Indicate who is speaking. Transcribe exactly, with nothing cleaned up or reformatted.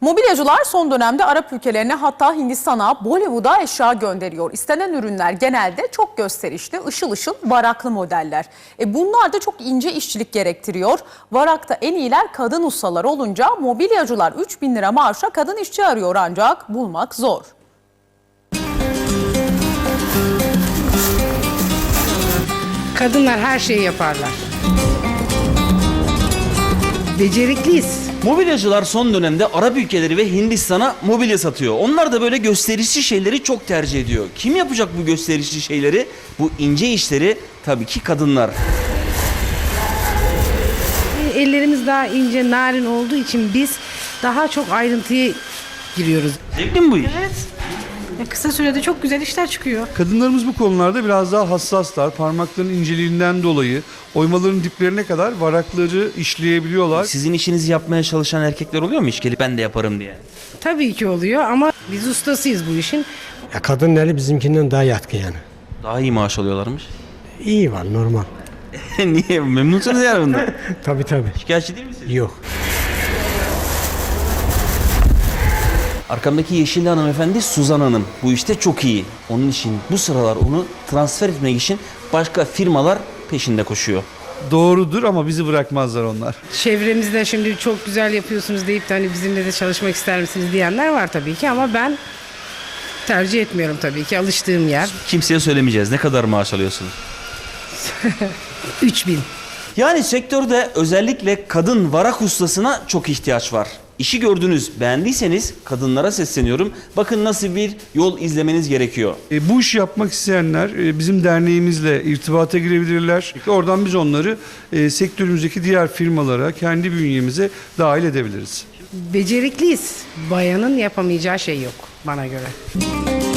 Speaker 1: Mobilyacılar son dönemde Arap ülkelerine, hatta Hindistan'a, Bollywood'a eşya gönderiyor. İstenen ürünler genelde çok gösterişli, ışıl ışıl varaklı modeller. E bunlar da çok ince işçilik gerektiriyor. Varakta en iyiler kadın ustalar olunca mobilyacılar üç bin lira maaşa kadın işçi arıyor, ancak bulmak zor.
Speaker 2: Kadınlar her şeyi yaparlar. Becerikliyiz.
Speaker 3: Mobilyacılar son dönemde Arap ülkeleri ve Hindistan'a mobilya satıyor. Onlar da böyle gösterişli şeyleri çok tercih ediyor. Kim yapacak bu gösterişli şeyleri, bu ince işleri? Tabii ki kadınlar.
Speaker 2: Ellerimiz daha ince, narin olduğu için biz daha çok ayrıntıya giriyoruz.
Speaker 3: Zevkli mi bu iş?
Speaker 2: Evet. Kısa sürede çok güzel işler çıkıyor.
Speaker 4: Kadınlarımız bu konularda biraz daha hassaslar. Parmakların inceliğinden dolayı oymaların diplerine kadar varakları işleyebiliyorlar.
Speaker 3: Sizin işinizi yapmaya çalışan erkekler oluyor mu hiç gelip ben de yaparım diye?
Speaker 2: Tabii ki oluyor ama biz ustasıyız bu işin.
Speaker 5: Ya kadın eli bizimkinden daha yatkın yani.
Speaker 3: Daha iyi maaş alıyorlarmış.
Speaker 5: İyi var, normal.
Speaker 3: Niye? Memnunsunuz yani bundan.
Speaker 5: Tabii tabii.
Speaker 3: Şikayetçi değil misiniz?
Speaker 5: Yok.
Speaker 3: Arkamdaki yeşilli hanımefendi Suzan Hanım. Bu işte çok iyi. Onun için bu sıralar onu transfer etmek için başka firmalar peşinde koşuyor.
Speaker 4: Doğrudur ama bizi bırakmazlar onlar.
Speaker 2: Çevremizde şimdi çok güzel yapıyorsunuz deyip de hani bizimle de çalışmak ister misiniz diyenler var tabii ki ama ben tercih etmiyorum tabii ki, alıştığım yer.
Speaker 3: Kimseye söylemeyeceğiz. Ne kadar maaş alıyorsunuz?
Speaker 2: üç bin.
Speaker 3: Yani sektörde özellikle kadın varak ustasına çok ihtiyaç var. İşi gördünüz, beğendiyseniz kadınlara sesleniyorum. Bakın nasıl bir yol izlemeniz gerekiyor.
Speaker 4: E, bu işi yapmak isteyenler e, bizim derneğimizle irtibata girebilirler. Oradan biz onları e, sektörümüzdeki diğer firmalara, kendi bünyemize dahil edebiliriz.
Speaker 2: Becerikliyiz. Bayanın yapamayacağı şey yok bana göre.